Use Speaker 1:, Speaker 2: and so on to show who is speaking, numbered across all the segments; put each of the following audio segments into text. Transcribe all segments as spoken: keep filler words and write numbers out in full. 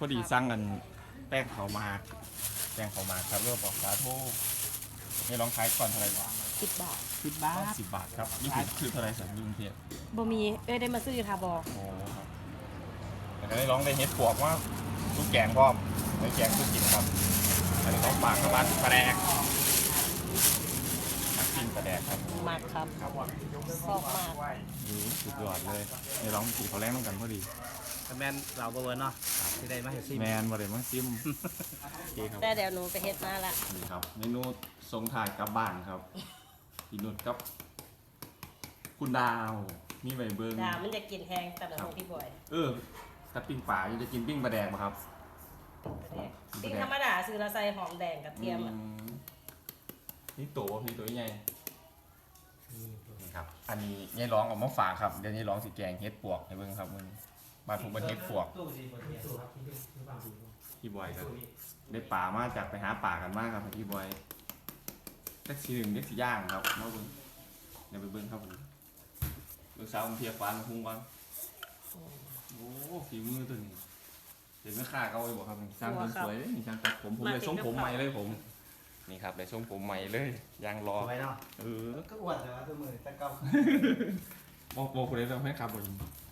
Speaker 1: อดีสร้างกันแป้งเขามาแป้งเขามาครับเริ่มบอกสาโทนี่ลองขายก่อนเท่าไหร่วะ
Speaker 2: สิบบาท
Speaker 3: สิบบาท
Speaker 1: สิบบาทครับนี่คือคือเท่าไหร่สันยุงเทียบ
Speaker 2: บ่มีเอ้ยได้มาซื้ออยู่ทาบอ
Speaker 1: โอ้ครับแต่ก็ได้ลองได้เฮ็ดปวกว่าลูกแกงพร้อมได้แกงคือกินครับอันนี้ของฝากเข้ามาปลาแดกนักกินปลาแดกครับ
Speaker 2: มากครับชอบมาก
Speaker 1: ดูสุดยอดเลยนี่ลองสีเขาแรงต้องกันพอดี
Speaker 3: แมนเราเบอร์เนาะที่ได้มาเห็นซิ
Speaker 1: แมนบ่ได้มาซิมโอเคครับ
Speaker 2: แต่เดี๋ยวหนูไปเฮ็ดมาละ
Speaker 1: นี่ครับเมนูทรงถ่ายกลับบ้านครับพี่นุชกับคุณดาวนี่ใบเบิ้ง
Speaker 2: ดามันจะกินแห้งแต่ของพี่บอย
Speaker 1: เออถ้าปิ้งป่าอยู่จะกินปิ้งปลาแดกไหมครับ
Speaker 2: ปิ้งธรรมดาซื้อละใส่หอมแดงกระเทียมอะ
Speaker 1: อืมนี่ตัวนี่ตัวใหญ่นี่ครับ อันนี้ยายร้องออกมาฝากครับเดี๋ยวยายร้องสีแกงเฮ็ดปวกให้เบิ้งครับมันมาถูกเป็นเฮ็ดปวกพี่บอยครับได้ป่ามาจากไปหาป่ากันมากครับพี่บอยแท็กซี่หนึ่งเด็กสีย่างครับมาเบิ้งเดี๋ยวไปเบิ้งครับผมเบิ้งสาวเพียฟ้ามาพุ่งก่อนโอ้ฝีมือตัวนี้เห็นไหมค่าเขาเลยบอกครับช่างคนสวยเลยนี่ช่างตัดผมผมเลยทรงผมใหม่เลยผม นี่ครับได้ทรงผมใหม่เลยยางรอ
Speaker 3: สวยเนาะ
Speaker 1: เออ
Speaker 3: ก็อ้วนแต่ว่าตัวมือตะเกา
Speaker 1: บอกบอกคนนี้เราให้ครับผม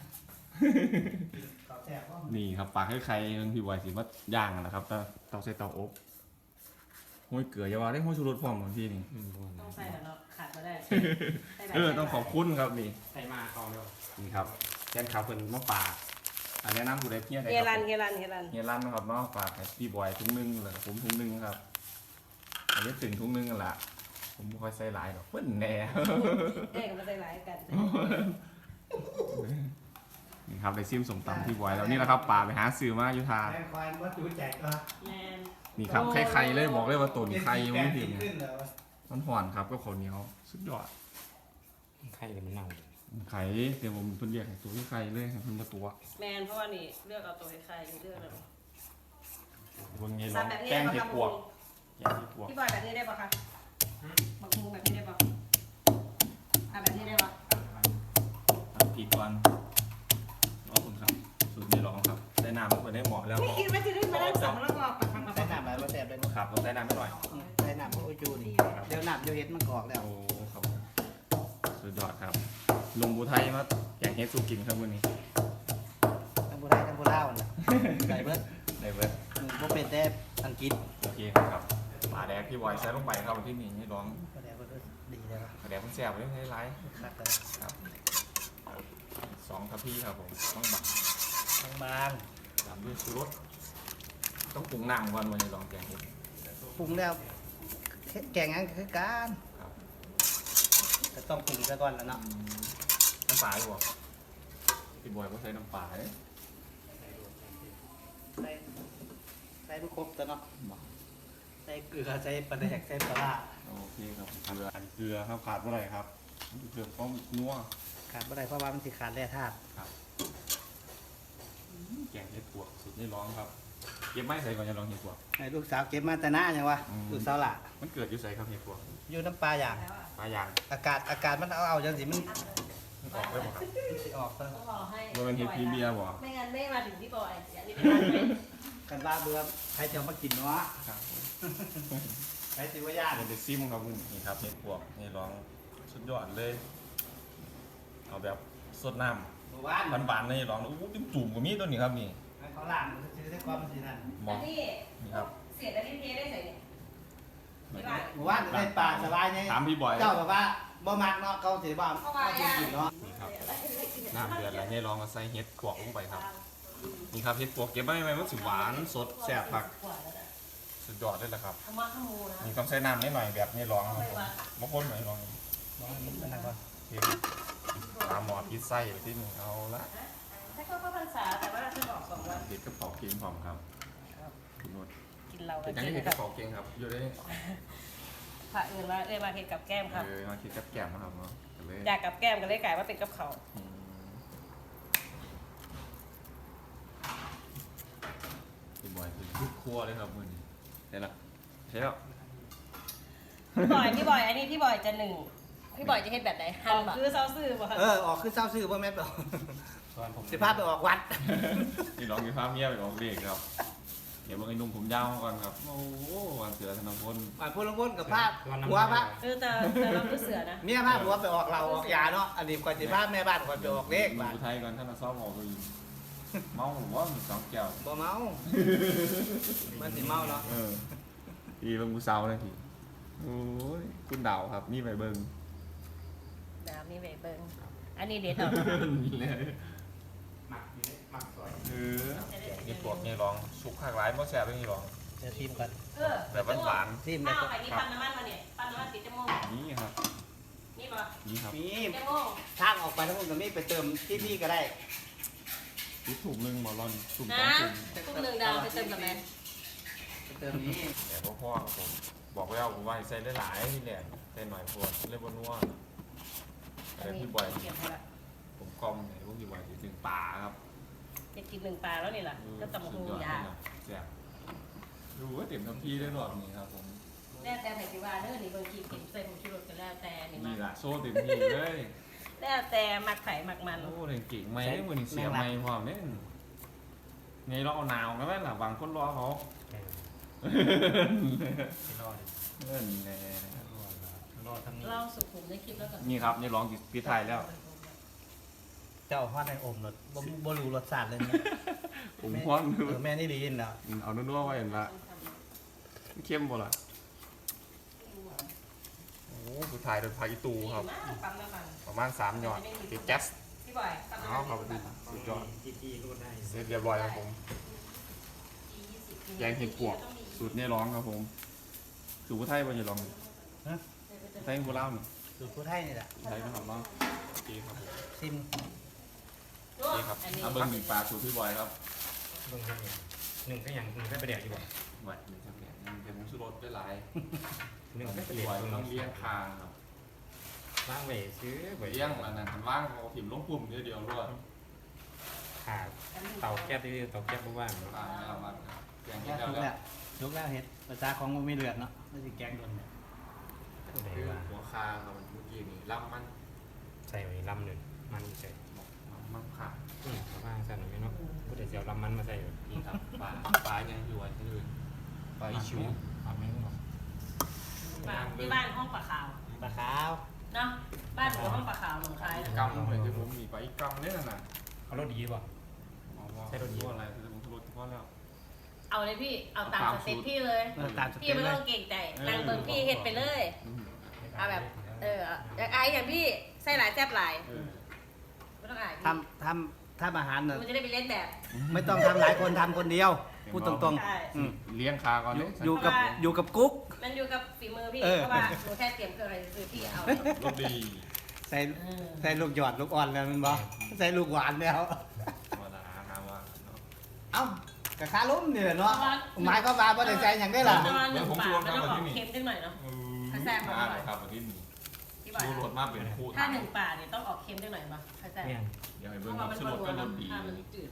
Speaker 3: เขาแจกว่า
Speaker 1: นี่ครับปากให้ใครมันพี่ไวสิว่าย่างนะครับเตาเตาใส่เตาอบห้อยเกลืออยาวาได้ห้อยชูรสพร้อมของพี่นี่
Speaker 2: ต้องใส่แล้วเนาะขาดมาได้
Speaker 1: เออต้องขอบคุณครับนี่
Speaker 3: ใส่มาเอาเนาะ
Speaker 1: นี่ครับแกนขาวเป็นมะปางอันนี้น้ำผู้ใดเพี้ยน
Speaker 2: เฮลันเฮลันเฮลัน
Speaker 1: เฮียรันนะครับมะปางให้พี่บอยถุงนึงเลยผมถุงนึงครับอันนี้ถึงถุงนึงกันละผมไม่ค่อยใส่หลายหรอกเพิ่นแน่
Speaker 2: เอ้ยก็มาใส่หลายกัน
Speaker 1: นี่ครับได้ซิมสมตำที่บอยแล้วนี่แหละครับป่าไปหาซื้อมาอยู่ทา
Speaker 3: แรงควายมันจูแจกก็
Speaker 2: แมน
Speaker 1: นี่ครับไข่ไข่เลยบอกเลยว่าตุ่นไข่ยังไม่ถึง
Speaker 3: ขึ้นเลย
Speaker 1: มันห่อนครับก็ข้าวเหนียวสุดยอด
Speaker 3: ไข่เลยมันเน่า
Speaker 1: ไข่เดี๋ยวผมเพิ่นเรียกให้ตัวที่ไข่เลยให้เพิ่นมาตัว
Speaker 2: แมนเพราะว่านี่เลือกเอาตัวใครๆเลือกเลย
Speaker 1: เบิ่งไง
Speaker 2: ซั
Speaker 1: เนาะ
Speaker 2: บแบบนี้
Speaker 1: แป้
Speaker 2: ได้
Speaker 1: ง
Speaker 2: ปะ
Speaker 1: เห็ด
Speaker 2: คะ
Speaker 1: ปวกแกงเห็ดปวก
Speaker 2: พี่บอยแบบนี้ได้ปะคะบักมุงแบบนี้ได้ปะอ่ะแบบนี้ได้ปะ
Speaker 1: ตัดผิดก่อนรอคุณครับสูตรนี้ลองครับได้น้ำมันได้เหมาะแล้ว
Speaker 2: ไม่คิดว่าจะได้มานั่งสองแล้วก็ปักปักปัก
Speaker 3: ใส่
Speaker 2: ปัก
Speaker 3: น้ำอะไรมาแสบเลย
Speaker 1: ครับต้องได้น้ำไม่หน่อย
Speaker 3: ใส่น้ำพวกอุจูนี่เดี๋ยวน้ำเดี๋ยวเห็ดมันกรอกแล้ว
Speaker 1: โอ้ครับสุดยอดครับลงบูไทยมาแกงเห็ดสูกินครับวันนี้
Speaker 3: ทั้งโบราณทั้งโบราณน่ะใส่เบิร์ด
Speaker 1: ได้เว้ย
Speaker 3: พวกเป็นแต่อังกฤษ
Speaker 1: โอเคครับปลาแดกพี่บอยใส่ลงไปครับที่นี่ให้ลอง
Speaker 3: ก็แล้วก็ดีแล้ว
Speaker 1: ปลาแดกมันแซ่บเลยให้ไลฟ์
Speaker 3: คักเลย
Speaker 1: ครับสองทัพพี่ครับผมต้องบัก
Speaker 3: บาง
Speaker 1: ตามด้วยชูรสต้องปรุงหนังก่อนวันนี้ลองแกงเห็ด
Speaker 3: ๆปรุงแล้วแกงงั้นคือการ
Speaker 1: ครับ
Speaker 3: ก็ต้องปรุงซะก่อนแล้วเนาะ
Speaker 1: น้ำปลาดีกว่าพี่บอยก็ใช้น้ำปลาเอ้ย
Speaker 3: ใส่ใส่มันครบแต่เนาะใส่เกลือใส่ปลาแดกใส่ปลาร้า
Speaker 1: โอเคครับเกลือเกลือครับขาดเมื่อไหร่ครับเกลือต้องนัว
Speaker 3: ขาดบ่ได้เพราะว่ามันสิขาดแร่ธาตุ
Speaker 1: แกงเห็ดปวกสุดนี่ร้องครับเก็บไม้ใส่ก่อนจะลองเห็ดปวก
Speaker 3: ให้ลูกสาวเก็บมาแต่หน้ายังวะ
Speaker 1: อืม
Speaker 3: ลูกสาวล่ะ
Speaker 1: มันเกิดอยู่ใส่ครับเห็ดปวก
Speaker 3: อยู่น้ำปลาอย่าง
Speaker 1: ปลายาง
Speaker 3: อากาศอากาศมันเอาเอาจังสิมัน
Speaker 1: มันออกได้บ่ครับ
Speaker 3: มันสิออกซะ
Speaker 2: ต้องรอให้
Speaker 1: มันเป็นเห็ดพรีเมียร์บ่
Speaker 2: ไม่งั้นไม่มาถึงพี่บอยอย่างนี้ไม่ได้ไหม
Speaker 3: กันว่าเบื่อใครจะเอามากินเนาะ
Speaker 1: ครับ
Speaker 3: ใครสิว่าญาติ
Speaker 1: เป็นเด็กซิมครับนี่ครับเห็ดปวกนี่ร้องสุดยอดเลย เอาแบบสดน้
Speaker 3: หมู่บ้าน
Speaker 1: ำหวานๆเลยร้องอู้จิ้มจุ่มกับมีตัวนี้ครับนี่
Speaker 3: ให้เขาล่างมันสิได้ความสินั่น
Speaker 1: หม
Speaker 2: อั
Speaker 1: อน
Speaker 2: นี้
Speaker 1: นี่ครับ
Speaker 2: เสียดอันนี้เทได้ใส่เนี่ยที่บ้าน
Speaker 3: หมู่บ้านได้ปลาสบายไง
Speaker 1: ถามพี่บอย
Speaker 3: เจ้าแบบว่าบ่มักเนาะเขาสิว่าเขาสิกินเนาะ
Speaker 1: นี่ครับน้ำเดือดแล้วให้ลองมาใส่เห็ดปวกลงไปครับ นี่ครับเห็ดปวกเก็บไว้ไหมมันสิหวานสดแซ่บผักสุดยอดเลยแหละครับ
Speaker 2: ขมาขมูนะ
Speaker 1: นี่ต้องใส่น้ำนิดหน่อยแบบนี้ลองครับผมบางคนหน่อยลอง
Speaker 3: บ่มันนั่นก่อน
Speaker 1: เทปลาหมอดพิซไส้ที่หนึ่งเอาละ
Speaker 2: ถ้าก็พรรษาแต่ว่าเราจะออกสองวัน
Speaker 1: เห็ดกระเป๋าเก่งผมครับคุณนุช
Speaker 2: กินเรา
Speaker 1: เห็ดยัง
Speaker 2: กิ
Speaker 1: นี่
Speaker 2: น
Speaker 1: เห็ดก
Speaker 2: กั
Speaker 1: ระ
Speaker 2: บ
Speaker 1: เป๋าเก่งครับอยู่ได้
Speaker 2: พระอื่นว่าเอ้ยมาเห็ดกับแก้มครับ
Speaker 1: เออมาคิดกับแกมนะครับเนาะกันเลย
Speaker 2: อยากกับแก้มก็เลยกลายว่าเป็นกับเขา
Speaker 1: อืมพี่บอยคือทุกครัวเลยครับมือนี้เห็นละใช่แล้ว
Speaker 2: พี่บอยพี่บอยอันนี้พี่บอยจะหนึ่งพี่บอยจะเห็ดแบบไหนหั่นคือเซาซื่อป่ะคะ
Speaker 3: เออออกคือเศร้าซื่อบ่แม่นบ่
Speaker 1: เ
Speaker 4: อนผม
Speaker 3: สิพาไปออกวัด
Speaker 1: นี่ร้องมีภาพเมียไปออกเด็กครับเดี๋ยวเบิ่งไอ้หนุ่มผมยาวก่อนครับโอ้โหวันเสือธนพล
Speaker 3: มาพูดลงพ้นกับภาพหัวพระ
Speaker 2: เออแต่แต่เราคือเสือนะ
Speaker 3: เมียพาหัวไปออกเราออกยาเนาะอันนี้ก่อนสิพาแม่บ้านก่อนไปออกเลข
Speaker 1: ดู
Speaker 3: บ้าน
Speaker 1: ไทยก่อนท่านมาซ้อมออกตัวยิงเมาผมว่ามีสองแก้ว
Speaker 3: บ่เมามันสิเมาเนาะ
Speaker 1: เออดีเบิ่งผู้สาวเลยทีโอ้ยคุณดาวครับนี่ไปเบิ่ง
Speaker 2: ดาวมีใบเบิงอันนี้เด็ดออก
Speaker 1: เลย
Speaker 4: หมักอยู่หมักสวย
Speaker 1: เออนี่ปวกนี่ร้องสุกขากหลายเพราะแสบเลยนี่ร้อง
Speaker 3: จะทีมกัน
Speaker 2: เออ
Speaker 1: แบบหวาน
Speaker 3: ทีม
Speaker 2: ข้า
Speaker 3: เนี่
Speaker 2: วย ไข่นี่ปั้นน้ำมันมาเนี่ยปั้นน้ำมันติดจมูก
Speaker 1: ๆนี่ครับ
Speaker 2: นี่ป่ะ
Speaker 1: นี่ครับ
Speaker 3: มี
Speaker 2: จมูก
Speaker 3: ทางออกไปทั้งหมดก็มีไปเติมที่นี่ก็ได้
Speaker 1: ทุกถุงหนึ่งหมอรอนถุงส
Speaker 2: นะ
Speaker 1: องถุง
Speaker 2: ทุกหนึ่งดาวไปเติมกับแม่
Speaker 3: ไปเติมนี้
Speaker 1: แต่พ่อพ่อครับผมบอกแล้วผมว่าให้ใส่ได้หลายที่แหละใส่หน่อยพวดเล่นบนนัวแต่พี่บอย
Speaker 2: เก็บไว้ละ
Speaker 1: ผมกลอมไหนพวกพี่บอยถึงป่าครับ
Speaker 2: จะกินหนึ่งปลาแล้วนี่แหละก็ตำบัก
Speaker 1: สุ
Speaker 2: หู
Speaker 1: ดยอด
Speaker 2: ยา
Speaker 1: เลยแซ่บดูว่าเต็มทัพพี่ได้หลอดนี้ครับผม
Speaker 2: แล้วแต่ไผ่ที่ว่าเนื้อนี่บางทีเก็บใส่ผงชูรสก็แล้วแต่นี่มา
Speaker 1: นี่ละโซ่เต็มที่เลย
Speaker 2: แล้วแต่มักไข่มักมัน
Speaker 1: โอ้เล่นเก่งไหมได้มือนี่เสียไหมพร้อมเนี่ยไงเราเอาหนาวนะแม่ล่ะบางคนรอเขา
Speaker 4: ไม่รอด
Speaker 1: เงินแน่
Speaker 4: รอดทั้งนี้
Speaker 2: เล่าสุขุมในคลิปแล้วกัน
Speaker 1: นี่ครับนี่ร้องพิไทยแล้ว
Speaker 3: เจ้าฮอดในอมรสบ่บ่รู้รสชาติเลยนะ
Speaker 1: ผมฮ้อน
Speaker 3: เออแม่นี่ดีเนาะ
Speaker 1: เอานุ่นๆไว้เห็นละเข้มบ่ล่ะโอ้พิไทยโดยพายิตูครับ
Speaker 2: ปั๊มน้ำมัน
Speaker 1: ประมาณสามหยอดติดแก๊ส
Speaker 2: พี่บอยปั๊มน้ำ
Speaker 1: เอา
Speaker 2: มัน
Speaker 1: ครับสุดยอด
Speaker 4: จีจีรูดได้
Speaker 1: เสร็จเรียบร้อยครับผมแกงเห็ดปวกสูตรเนี่ยร้องครับผมสูตรผู้ไทยบ่จะร้องไทยผู้เล่านี่
Speaker 3: สูตรผู้ไทยนี่แหละ
Speaker 1: ไทยนะครับเนาะโอเคครับผม
Speaker 3: ซิม
Speaker 1: โอเคครับเอาเบิ้งหนึ่งปลาสูตรพี่บอยครับ
Speaker 4: เบิ่งหนึ่งก็อย่างหนึ่งก็ไปแดกดีกว่า
Speaker 1: ไว้หนึ่งสักเนี่ยยังเป็นผงชูรสได้หลาย
Speaker 4: หนึ่งก็ไป
Speaker 1: พี่
Speaker 4: แดก
Speaker 1: บอย
Speaker 4: ตรง
Speaker 1: ต้อง
Speaker 4: นี้
Speaker 1: เลี้ยงคางครับ
Speaker 4: ล้างเวซื้อเว
Speaker 1: เลี้ยงอันนั้นว่างเอาถิ่มลงปุ่มเดียวเดียวรวด
Speaker 4: ขาดเตาแก๊บที่เตาแก๊บว่าง
Speaker 1: อ่าแล้วมันแกง
Speaker 3: แค่
Speaker 1: เห็ด
Speaker 3: ทุก
Speaker 1: แล้ว
Speaker 3: แล้วทุกแล้วเห็ดภาษาของมันมีเลือดเนาะไม่ใช่แกงโดนเนี่ย
Speaker 4: ผู้ใด
Speaker 1: คือ
Speaker 4: ว่า
Speaker 1: หัวคาครับเมื่อกี้นี่ล่ำมัน
Speaker 4: ใส่ไว้ลำหนึ่งมันใส่
Speaker 1: มันขาด
Speaker 4: อืมว่างสั่นไหมเนาะผู้ใดจะเอาลำมันมาใส่
Speaker 1: นี่ครับปลาปลายังอยู่วันที่อื่นปลาอีชิว
Speaker 4: ปลาไม่รู้หรอก
Speaker 2: ที่บ้านห้องปลาขาว
Speaker 3: ปลาขาว
Speaker 2: เนาะบ้านผมห้องปลาขาวหนองคาย
Speaker 1: กำเหมือนที่ผมมีปลาอีกำเนี่ยนะ
Speaker 4: เขารสดีป่ะ
Speaker 1: ใช่รถยี่อะไรคือผมรถเฉพาะแล้ว
Speaker 2: เอาเลยพี่เอาตามสเต็ปพี่เลย
Speaker 3: เออตามส
Speaker 2: พี่
Speaker 3: เต็ป
Speaker 2: ไม่
Speaker 3: เล
Speaker 2: ต้
Speaker 3: ย
Speaker 2: องเก่งใจนางเบิร์พี่เฮ็ดไปเลย เอาแบบ เอออยากอายอย่างพี่ใส่หลายแซ่บหลายไม่ต้องอาย
Speaker 3: ทำทำทำอาหารเนี่ย
Speaker 2: มันจะได้ไปเล่นแบบ
Speaker 3: ไม่ต้องทำหลายคนทำคนเดียว พูดตรง
Speaker 2: ใช่
Speaker 3: ๆอืม
Speaker 1: เลี้ยงคาก่อน
Speaker 3: อยู่
Speaker 1: เนี่ย
Speaker 3: อยู่กับอยู่กับกุ๊ก
Speaker 2: มันอยู่กับฝีมือพี่
Speaker 3: เออ
Speaker 2: เพราะว่าหนูแค่เตรียมเครื่องอะไรคือพี่เอา
Speaker 1: รถดี
Speaker 3: ใส่ใส่ลูกหยอดลูกอ่อนแล้วมันบอกใส่ลูกหวานแล้ว
Speaker 1: ธรรมดาหาว่าเนาะ
Speaker 3: เอ้ากับคาล้มนี่แหละเนาะหมายก็มาบ่ได้ใจอย่างได้ล่ะ
Speaker 2: ประมาณหนึ่งบาทมันต้องออกเค็มจังหน่อยเนาะ ถ้าแซ่บ
Speaker 1: มาครับวันนี้
Speaker 2: พี่บอย
Speaker 1: ชูรสมากเป็นคู่
Speaker 2: ถ้าหนึ่งบาทเนี่ยต้องออกเค็มจังหน่อยป่ะเข้าใจ
Speaker 4: เนี่ย
Speaker 1: เดี๋ยวให้
Speaker 2: เพ
Speaker 1: เบิ้ง
Speaker 2: ราะ
Speaker 1: ค
Speaker 2: ว่า
Speaker 1: รับ
Speaker 2: มัน
Speaker 1: ชูร
Speaker 2: ก็
Speaker 1: ส
Speaker 2: รั
Speaker 1: ก็
Speaker 2: ว
Speaker 1: รสดี
Speaker 2: มันจืด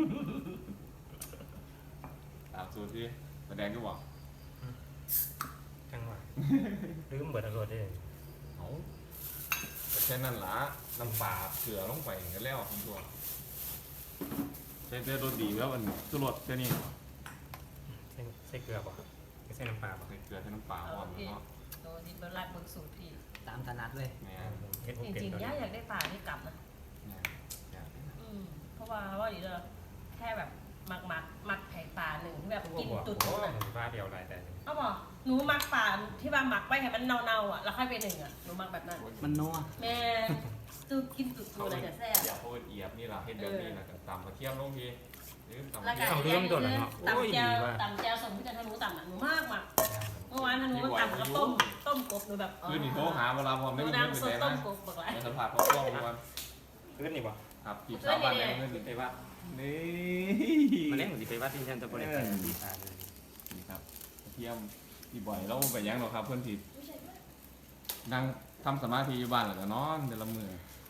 Speaker 1: ตามสูตรที่แสดงก็บอก
Speaker 4: จังหวะลืมเบิดอรรถได้
Speaker 1: เอาแค่นั้นละน้ำปลาเสือลงไปกันแล้วคุณตัวใช้เสื้อรสดีแล้วมันชูรสแค่นี้
Speaker 4: ใส่ใส่เกลือป่ะไม่ใส่น้ำปลาป่ะ
Speaker 1: ใส่เกลือใช้น้ำปลาอ่อนเนาะ
Speaker 2: โดนดิบรัดบนสูตรพี่
Speaker 3: ตามถนัดเลย
Speaker 1: เนี่ย
Speaker 4: เฮ็ด
Speaker 2: จ
Speaker 4: บุกเป็ด
Speaker 2: ริง
Speaker 4: ตัว
Speaker 2: ๆย่า
Speaker 4: นี้
Speaker 2: อยากได้ปลาที่กลับนะ
Speaker 1: เนี่ยเนี่ย
Speaker 2: อืมเพราะว่าว่าดีเลยแค่แบบหมักหมักหมักไข่ปลาหนึ่งที่แบบ
Speaker 4: พว
Speaker 2: กิน
Speaker 4: กบอก
Speaker 2: ตุ่
Speaker 4: โอ้
Speaker 2: นๆอ่ะ
Speaker 4: หนูฟ้าเดียวลายแต่
Speaker 2: เอาบอกหนูหมักปลาที่ว่าหมักไว้ให้มันเน่าๆอ่ะแล้วค่อยไปหนึ่งอ่ะหนูหมักแบบนั้น
Speaker 3: มันนัว
Speaker 2: แม่ตูกินตุ่นๆอะไรจะแซ่บ
Speaker 1: เดี๋ยวเขาเอียบนี่แหละเห็ดแบบนี้แหละตำกระเทียมลงทีหรือตำก
Speaker 2: แล้
Speaker 1: ระ
Speaker 2: ว
Speaker 1: เที
Speaker 2: ก็
Speaker 1: ยม
Speaker 2: ตำแจวตำแจวสมที่จะทำหนูตำอ่ะหนูมากมากเมื่อวานทำหนูตำกับต้มต้มกบหนูแบบ
Speaker 1: คือนี่โทรหาเวลาผม
Speaker 2: ห
Speaker 1: ไม่
Speaker 2: นู
Speaker 1: มีเงิน
Speaker 2: น้ำ
Speaker 1: ไป
Speaker 2: ส
Speaker 1: ไห
Speaker 2: ด
Speaker 1: น
Speaker 2: ต้
Speaker 1: นะ
Speaker 2: มกบบอกไร
Speaker 1: ในสภาพเขากล้องมัน
Speaker 4: ขึ้นนี่ป่ะ
Speaker 1: ครับจีบสาวบ้านแม่เงินไปว่านี่
Speaker 4: มันเล่นเหมือนสิไปว่าที่ฉันจะบริการดีตาเลย
Speaker 1: นี่ครับกระเทียมที่บ่อยเราไปยังหรอกครับเพื่อนผิดนั่งทำสมาธิอยู่บ้านหรือก็นอนเดือนละมือ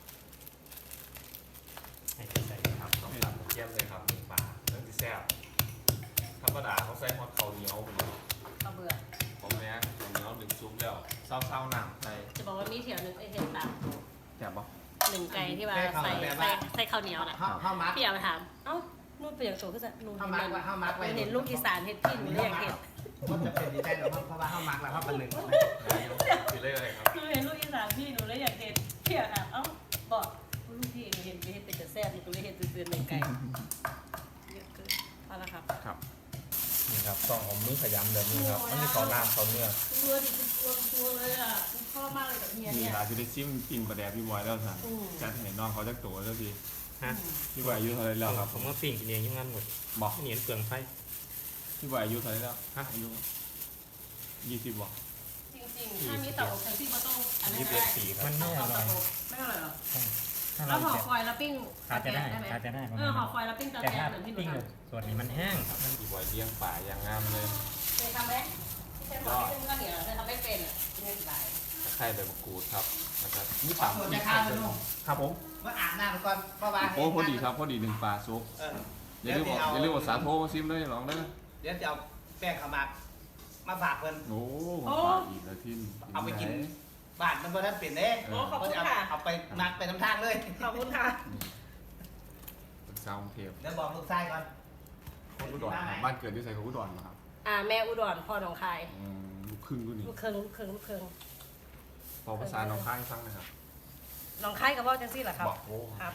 Speaker 4: ให้ใส่
Speaker 1: ครับต้องตัดกระเทียมเลยครับหนึ่งปลาเรื่องที่แซ่บธรรมดาเขาใส่ฮอตเขาเหนียวไปเลย
Speaker 2: เอาเบื่อ
Speaker 1: ผมเนี้ยเขาเหนียวหนึ่งซุปแล้วเศร้าๆหนังใส่
Speaker 2: จะบอกว่ามีเถียวนึงไอเห็ดตาม
Speaker 1: แซ่บปะ
Speaker 2: แหนึ่งไก่ที่ว่าใส่ใส่ใส่ข้าวเหนียวน่ะ
Speaker 3: เฮาเฮามัก
Speaker 2: พี่เอาไปถามเอ้านู่นเป็นอย่างโชว์ก็จะนู่น
Speaker 3: เฮา
Speaker 2: เห็น
Speaker 3: มัก
Speaker 2: มัน
Speaker 3: ว่าเฮามักไว้
Speaker 2: เห็นลูกอีสานเห็ดพี่หนูเลยอยากเห็น
Speaker 3: มันจะเป็นดีใจเนาะเพราะว่าเฮามักแล้วเฮาเป็นหนึ่ง
Speaker 1: คือเลขอะไรครับ
Speaker 2: หนูเห็นลูกอีสานพี่หนูเลยอยากเห็นพี่อะค่ะเอ้าบอกลูกพี่หนูเห็นไปเห็นเป็นแต่แซ่บหนูเลยเห็นตื่นๆหนึ่งไก่เยอะเกินเอาละครับ
Speaker 1: ครับ
Speaker 4: นี่ครับต้องเอามือขยำแบบนี้ครับมันจะเขาน้ำเขาเนื้อ
Speaker 2: ตัวดิตัวตัวเลยอ่ะชอบมากเลยกับเฮีย
Speaker 1: มี
Speaker 2: เนี่ย
Speaker 1: หลายที่ได้ชิมกินประแดกพี่บอยแล้วสั่ง
Speaker 2: อืม
Speaker 1: จัดให้น้องเขาจักตัวแล้วพี่
Speaker 4: ฮะ
Speaker 1: พี่บอยอายุเท่าไหรแล้วครับ
Speaker 4: ผมก็ปิ้งกินเองอยังงั้นหมด
Speaker 1: บอก
Speaker 4: เหนียนเปลืองไฟ
Speaker 1: พี่บอยอายุเท่าไหรแล้วฮะอายุยี่สิบบอก
Speaker 2: จริงๆถ้ามีเต่าอบแทนที่มาต้องอันนี้
Speaker 4: ยี่สิบ
Speaker 2: ก็
Speaker 4: เอ็ด
Speaker 2: ได้
Speaker 4: ปีครับ
Speaker 5: มันไม่อร่อย
Speaker 2: ไม่อร่อยหรอ
Speaker 5: ถ้า
Speaker 2: แล้
Speaker 5: เรา
Speaker 2: วห่อ
Speaker 5: จะ
Speaker 2: ฟอยล์แล้วปิ้ง
Speaker 5: อาจจะได้
Speaker 2: ได้ไหม
Speaker 5: อาจจะได้ประ
Speaker 2: เอ
Speaker 5: มา
Speaker 2: อ
Speaker 5: ณ
Speaker 2: ห่อ
Speaker 5: นั้น
Speaker 2: ฟอยล์แล้วปิ้งตะ
Speaker 5: แต่
Speaker 2: แกร
Speaker 5: ถ้าง
Speaker 2: เหมือนที่หนู
Speaker 5: ปิ้ง
Speaker 2: ท
Speaker 5: แบบส่วนนี้มันแห้งมัน
Speaker 1: พี่บอยเลี้ยงป่าอย่างงามเลย
Speaker 2: ำเคยทำไหมที่ใช้ห่อให้เป็นข้าวเหนียวเคยทำไม่เป็นอ่ะไม่เป็นไร
Speaker 1: ตะไคร้ใบมะกรูดครับนะครับนี่
Speaker 3: ขอ
Speaker 1: ตาม
Speaker 3: ส่วน
Speaker 1: ที่
Speaker 3: จะข้าวเลยลูก
Speaker 1: ครับผม
Speaker 3: มาอาบน้ำก่อนเพราะว่า
Speaker 1: โอ้พอดีครับพอดีหนึ่งปลาซุป
Speaker 3: เออ
Speaker 1: อย่าลืมบอกอย่าลืมบอกสาโทมาซิมเลยลองเด้อ
Speaker 3: เดี๋ยวจะเอาแป้งขาวหมักมาฝากเพิ่น
Speaker 1: โอ้มาฝากอีกแล้วที่
Speaker 3: เอาไปกิน บ้านมันบ่ทันเป็นเด้
Speaker 2: โอ้ขอบ
Speaker 3: เขา
Speaker 2: คุณ
Speaker 3: จะเอา
Speaker 2: ค่ะ
Speaker 3: เอาไปมักไปน้ำทางเลย
Speaker 2: ขอบคุณค่ะ
Speaker 1: เป็นซาวน์เทป
Speaker 3: เดี๋ยวบอกลูกชายก่อน
Speaker 1: คนอุดรครับบ้านเกิดที่ใส่ของอุดรนะครับ
Speaker 2: อ่าแม่อุดรพ่อหนองคาย
Speaker 1: อืมลูกครึ่งด้วยนี่
Speaker 2: ลูกเคิงลูกเคิงลูกเคิง
Speaker 1: พอภาษาน้องข้างฟังนะครับ
Speaker 2: หนองคายกับว่าจังซี่เหรอครับ
Speaker 1: บอกโอ้
Speaker 2: ครับ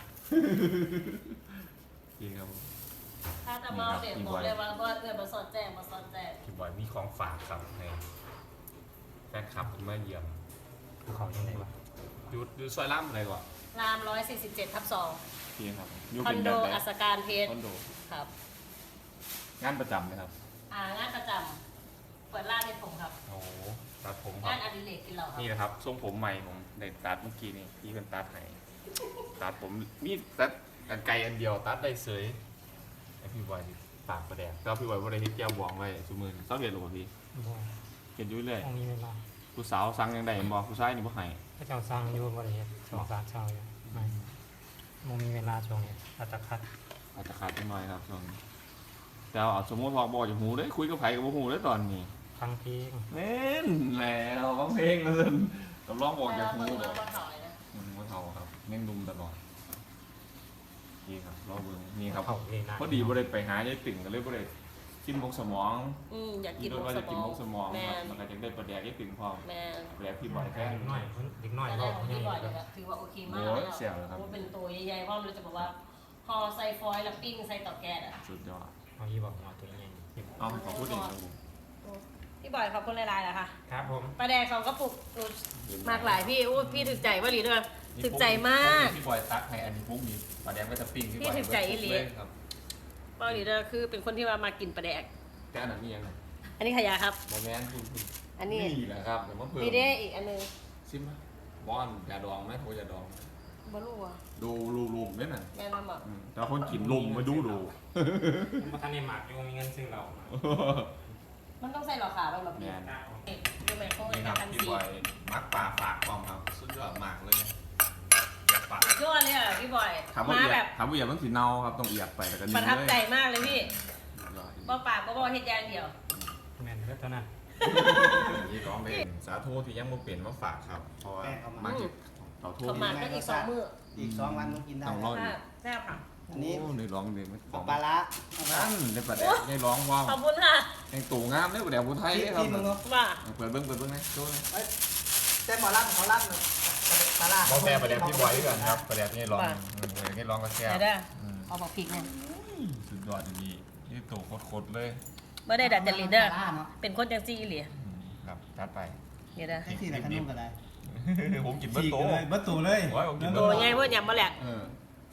Speaker 1: ดีครับผม
Speaker 2: ถ้าจะมาเด็ดบอกเลยว่าว่าเกิดมาสอดแจ้งมาสอดแจ้ง
Speaker 1: พี่บอยมีของฝากครับให้แฟนคลับผมมาเยี่ยม
Speaker 5: ภูเขายังไงวะ
Speaker 1: อยูอยูซอยล่ำอะไรก่อน
Speaker 2: รามร้อยสี่สิบเจ็ดทับสอง
Speaker 1: พี่ครับอยู
Speaker 2: คอ
Speaker 1: เป็น น
Speaker 2: โด
Speaker 1: แบบไหน
Speaker 2: อัสการเพชร
Speaker 1: คอนโด
Speaker 2: ครับ
Speaker 1: งานประจำเลยครับ
Speaker 2: อ่างานประจำเปิดร้านในผมครับ
Speaker 1: โอ้โหตัดผมค
Speaker 2: งา
Speaker 1: รั
Speaker 2: น
Speaker 1: บ
Speaker 2: อดิเรกกินเราครับ
Speaker 1: นี่นะครับทรงผมใหม่ผมได้ตัดเมื่อกี้นี่พี่เป็นตัดให้ตัดผมมีตัดกันไกลอันเดียวตัดได้เสยไอพี่บอยนี่ปากประแดงแล้วพี่บอยว่าได้เฮ็ดแก้วบองไว้สุมือเศร้าเห็นหรือเปล่าพี่
Speaker 5: บ่
Speaker 1: เห็นอยู่เรื่อย
Speaker 5: ต้องมีเวลา
Speaker 1: ผู้สาวสั่งยังไงบอกผู้ชายนี่บ่ให้
Speaker 5: พระเจ้าสร้างอยู่บริเวณสองสามเช้าอยู่ไม่มันมีเวลาช่วงนี้อัตคัด
Speaker 1: อาจจะขาดไปหน่อยครับช่วงนี้แต่เอาสมมติพอบอกจากหูเลยคุยกับไผกับบ่หูเลยตอนนี้
Speaker 5: ฟังเพลง
Speaker 1: เล่นแล้วฟังเพลงเลยกับร้องบอกจากหู
Speaker 2: เรา
Speaker 1: บอก
Speaker 2: ก็ถอยนะ
Speaker 1: มันบ่เท่าครับแม่งดุมตลอดนี่ครับรอเบิ่งนี่ครับ
Speaker 5: เขาเลยนะ
Speaker 1: พอดีบ่ได้ไปหายายติ่งก็เลยบ่ได้กินมกสมอง
Speaker 2: อืมอยากกิ
Speaker 1: กิ
Speaker 2: น
Speaker 1: น
Speaker 2: มุก
Speaker 1: ว่า
Speaker 2: ส
Speaker 1: จะกิน
Speaker 2: มอ
Speaker 1: ม
Speaker 2: ง
Speaker 1: กสมอง
Speaker 2: แม
Speaker 1: ครับ
Speaker 2: น
Speaker 1: มันก็จะได้ประแดกยายติ่งพร้อม
Speaker 2: แมน
Speaker 1: ประแดกพี่บอยแค่
Speaker 5: เด็กน้อยเด็กน้อย
Speaker 2: แต่
Speaker 5: ก็
Speaker 2: แรกของ
Speaker 5: ยัง
Speaker 2: พี่
Speaker 5: ไง
Speaker 2: บอย
Speaker 5: ก็
Speaker 2: เนี่ยถือว่าโอเคมาก
Speaker 1: โอ้ยเสี่ยวเลยครับ
Speaker 2: เป็นตัวใหญ่ๆเพราะมันจะบอกว่าพอใส่ฟอยล์แล้วปิ้งใส่เตาแก๊สอ่ะ
Speaker 1: สุดยอด
Speaker 5: เอายี่บอกเอาตัวใหญ่
Speaker 1: เอาขอพูดเองครับผม
Speaker 2: พี่บอยขอบคุณหลายๆนะคะ
Speaker 5: ครับผม
Speaker 2: ปลาแดกสองกระปุกหนูมากหลายพี่อู้พี่ถึกใจว่าหลีด้วยถึกใจมาก
Speaker 1: พี่บอยตักให้อันนี้พวกนี้ประแดกก็จะปิ้ง
Speaker 2: พี่ถึงใจอีหลี
Speaker 1: ครับ
Speaker 2: ว่าหลีด้วยคือเป็นคนที่ว่ามากินปลาแดก
Speaker 1: แต่อันนั้นนี่ยังไง
Speaker 2: อันนี้ขยะครับ
Speaker 1: โมแมนคุณคุณ
Speaker 2: อันนี้
Speaker 1: นี่แหละครับเดี๋ยวมาเพิ่ม
Speaker 2: มีเด้อีกอันนึง
Speaker 1: ซิมบอนยาดองไหมโทรยาดอง
Speaker 2: บลูอ่ะ
Speaker 1: ดูรูรูมเนี่ยน่ะ
Speaker 2: แม่น้ำบอก
Speaker 1: อืมแต่คนกินลุมมาดูดู
Speaker 5: มาทันในหมากอยู่มีเงินซื้อเรา
Speaker 2: มันต้องใส่หลอดขาวบ้างแบบ
Speaker 1: แม
Speaker 2: นี้
Speaker 1: น
Speaker 2: ดูแม่โค้ง
Speaker 1: นี่ค
Speaker 2: กั
Speaker 1: รั
Speaker 2: บบ พัน
Speaker 1: พี่
Speaker 2: สี
Speaker 1: บอยมักป่าฝากกองครับสุดยอดมากเลยอยากปาก
Speaker 2: ยอดเลยอ่ะพี่บอย
Speaker 1: ถามว่า
Speaker 2: มา
Speaker 1: เอีย
Speaker 2: แบ
Speaker 1: ด
Speaker 2: บ
Speaker 1: ถามว่าเอียดต้องสีเนาครับต้องเอียดไปแล้วก็
Speaker 2: ป
Speaker 1: นิ่
Speaker 2: ระ
Speaker 1: ง
Speaker 2: ทับ
Speaker 1: เลย
Speaker 2: ใจมากเลยพี่
Speaker 1: สุดยอด
Speaker 2: บ่ปากก็บ่เฮ็ดอย่างเดียว
Speaker 5: แม่นก็เท่านั้น
Speaker 1: นี่ร้องเพลงสาธุที่ยังบ่เปลี่ยนมาฝากครับเพราะว่ามาจิตเต่าทู
Speaker 2: ประมาณก็อีกสองมื้อ
Speaker 3: อีกสองวันต้องกินได้
Speaker 1: ต้องรอ
Speaker 2: ค่ะแซ่บค่ะ
Speaker 3: อันนี้
Speaker 1: โอ้ในร้องเด็กไม่ข
Speaker 3: ข
Speaker 1: อ
Speaker 3: อง งปลาละ
Speaker 1: นั่นได้ประแดกได้ร้องว้าว
Speaker 2: ขอบคุณค่ะ
Speaker 1: แห่งตู่งามได้ประแดกผู้ไทย
Speaker 3: ที่
Speaker 1: ได้ครับ
Speaker 3: ที่มึงเนาะ
Speaker 2: ว่า
Speaker 1: เปิดเบิ้งเปิดเบิ้งนะดูนะ
Speaker 3: แต่หมอรับเขารับปลาละ
Speaker 1: บอแม่ประแดกพี่บอยด้วยกันครับประแดกนี่ร้องประแดกนี่ร้องก็แซ่บ
Speaker 2: เดี๋ยวเด้อเอาบอกพริกเนี่ย
Speaker 1: สุดยอดดีนี่ตู่โคตรเลย
Speaker 2: บ่ได้ดัดจริตเด้อ
Speaker 3: ปลาละเนาะ
Speaker 2: เป็นคนจังซี่อีหลี
Speaker 1: ครับจัดไป
Speaker 2: เดี๋ยวเด้อ
Speaker 3: แค่ที่ไหนขนมก็ได้
Speaker 1: ผมกินเบิ้งโต
Speaker 3: เลยเบิ้ลตูเลย
Speaker 1: โอ้ยผมกิน
Speaker 2: โต
Speaker 1: เบิ้ง
Speaker 2: ใหญ่เพิ่นยำบ่แหลก
Speaker 1: เออ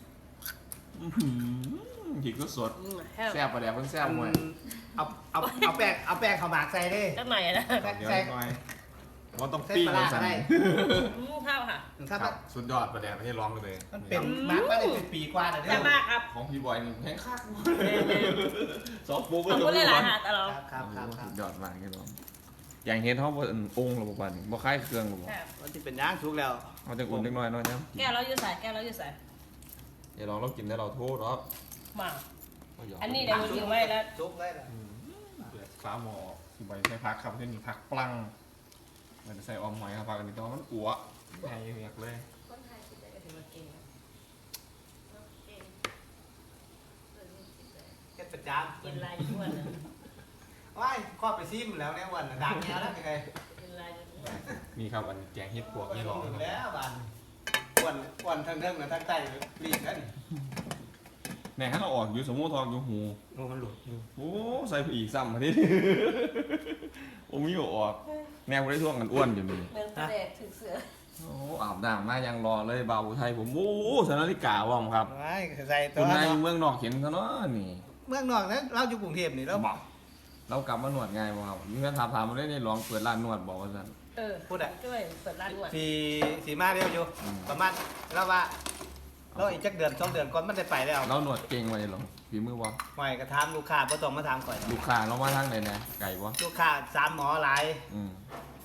Speaker 1: หิกก็สด
Speaker 2: อืมแซ่บ
Speaker 1: แซ่บประแดกเพิ่งแซ่บมวย
Speaker 3: เอาเอาเอาแป้งเอาแป้งข้าวหมากใส่ดิ
Speaker 2: จักหน่อยนะ
Speaker 1: เดี๋ยวหน่อยว่าต้องปิ้งเลยสั่น
Speaker 2: อืมข้าวค่ะ
Speaker 3: ถ้า
Speaker 1: ครับสุดยอดประแดกให้ร้องเลย
Speaker 3: มันเป็นหมากมาได้เป็นปีกว่าแล้วเด้
Speaker 2: แซ่บ
Speaker 3: อ
Speaker 2: มากครับ
Speaker 1: ของพี่บอยนี่แพงคักซอฟต์ปุ๊บ
Speaker 2: ขอบคุณหลายๆค่ะตลอด
Speaker 3: ครับครับครับครั
Speaker 1: สุ
Speaker 3: บ
Speaker 1: ดยอดมากครับผมอย่างเห็นเขาเป็นองค์หรือเปล่าบ่คล้ายเครื่องหรือเปล่า
Speaker 2: แซ่บ
Speaker 3: มันจะเป็นย่างสุกแล้ว
Speaker 1: เขาจะอุ่นเล็กน้อยเนาะเนี่ย
Speaker 2: แก้วเราอยู่ใส่แก้วเราอยู่ใส่
Speaker 1: เดี๋ยวลองเรากินได้เราโทษหรอก
Speaker 2: มา อันนี้เดี๋ยวทิ้งไว้แล้ว
Speaker 3: สุกเลยล่ะ
Speaker 1: เดือดฟ้าหมอพี่บอยใช้พักครับเช่นนี้พักปลังมันจะใส่ออมหอยครับพักอันนี้แต่ว่ามันกัวใหญ่เรียกเลย
Speaker 2: คนไทยคิดได้กับถือว่าเก่งนะเก่งเออนี่กินได้
Speaker 3: เฮ็ดประจำ
Speaker 2: กินลายอ้วนนะ
Speaker 3: ว้ายครอบไปซิมแล้วเนี่ยวันน่ะดังแล้วแล้วไง
Speaker 2: กินลายอ้วน
Speaker 1: นี่ครับอันแกงเห็ดปวกนี่รอครับ
Speaker 3: แล้วบันอ้วนอ้วนทั้งเรื่องกับทั้งใต้รีบกัน
Speaker 1: แหน่ให้เราออกอยู่สมมุติทองอยู่หู
Speaker 5: โอ้มันหลุดอยู่
Speaker 1: โอ้ใส่ไปอีกซ้ำมาดิ โอ้มีอยู่ออกแนวได้ช่วงกันอ้วนอยู่นี่
Speaker 2: เหมือนกระเด็กถึงเสือ
Speaker 1: โอ้อาบน้ำมายังรอเลยบ่าวอุทัยผมโอ้สนาฬิกาว่อมครับ
Speaker 3: ว้ายใส่ตั
Speaker 1: คุ
Speaker 3: ว
Speaker 1: ณนาย
Speaker 3: เนาะ
Speaker 1: เมืองนอกเห็นซะเนาะนี่
Speaker 3: เมืองนอกนั้นเราอยู่กรุงเทพนี่แล้ว
Speaker 1: บอกเรากลับมาหนวดไงบ่ครับมีคนถามถามมาได้ในลองเปิดร้านนวดบอกว่าซั่น
Speaker 2: เออ
Speaker 3: พูดอะ
Speaker 2: ด้วยเปิดร้านอ้วน
Speaker 3: สีสีมาเร็วอยู่
Speaker 1: อืม
Speaker 3: ประมาณแล้วว่าเราอีกจักเดือนสองเดือนก่อนมันได้ไปแล้ว
Speaker 1: เราหนวดเก่งไว้หรอฝีมือบ่
Speaker 3: หอยกระทำลูกค้าบ่ต้องมาถามก่อน
Speaker 1: ลูกค้าเรามาทางไหนนะไก่บ่
Speaker 3: ลูกค้าสามหมอหลาย
Speaker 1: อืม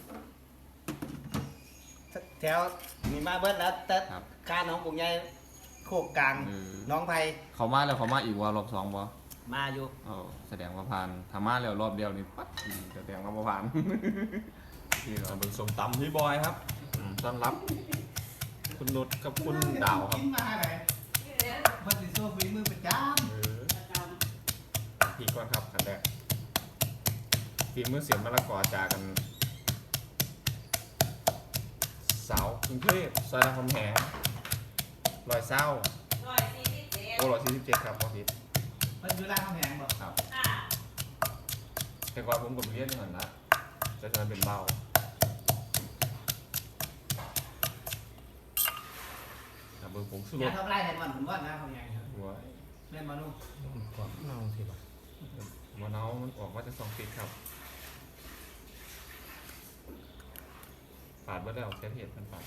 Speaker 3: แถวนี่มาเบิดแล้วแต่
Speaker 1: ครับ
Speaker 3: ค่าน้องกรุงใหญ่โคกกลาง
Speaker 1: เออ
Speaker 3: น้องไผ
Speaker 1: เขามาแล้วเขามาอีกว่ารอบสองบ่
Speaker 3: มาอยู่
Speaker 1: เออแสดงว่าผ่านทำมาแล้วรอบเดียวนี่ปั๊บอืมแสดงว่าบ่ผ่าน นี่เราเป็นสมตำพี่บอยครับอืมต้อนรับ คุณนุชกับคุณดาวครับ
Speaker 3: กินมาไหนมันสิโซ่ฝีมือประจ
Speaker 1: เออพี่ก่อนครับกันแรกฝีมือเสียงมะละกอจากัน สาวกรุงเทพซอยรามคำแหงรอยเศร้า
Speaker 2: ร้อยสี่สิบเจ็ด
Speaker 1: โอ้ร้อยสี่สิบเจ็ดครับพ่อพิษ
Speaker 3: ำมันอยู่ร้านข้าวแพงบ่
Speaker 1: ครับ
Speaker 2: ค่ะ
Speaker 1: แต่ก่อนผมกับเรียนเหมือนละจะจะเป็นเบาแต่เบอร์ผมสุด
Speaker 3: อย่าทำลายแต่มันผมว่านะข้าวแพงครับ
Speaker 1: หัว
Speaker 3: แม่นบ่นุ่ม
Speaker 5: กว่าเน่าสิบ่ะ
Speaker 1: หัวเนามันออกมาจากสองฟิตครับปาดมาแล้วเซฟเห็ดมันปาด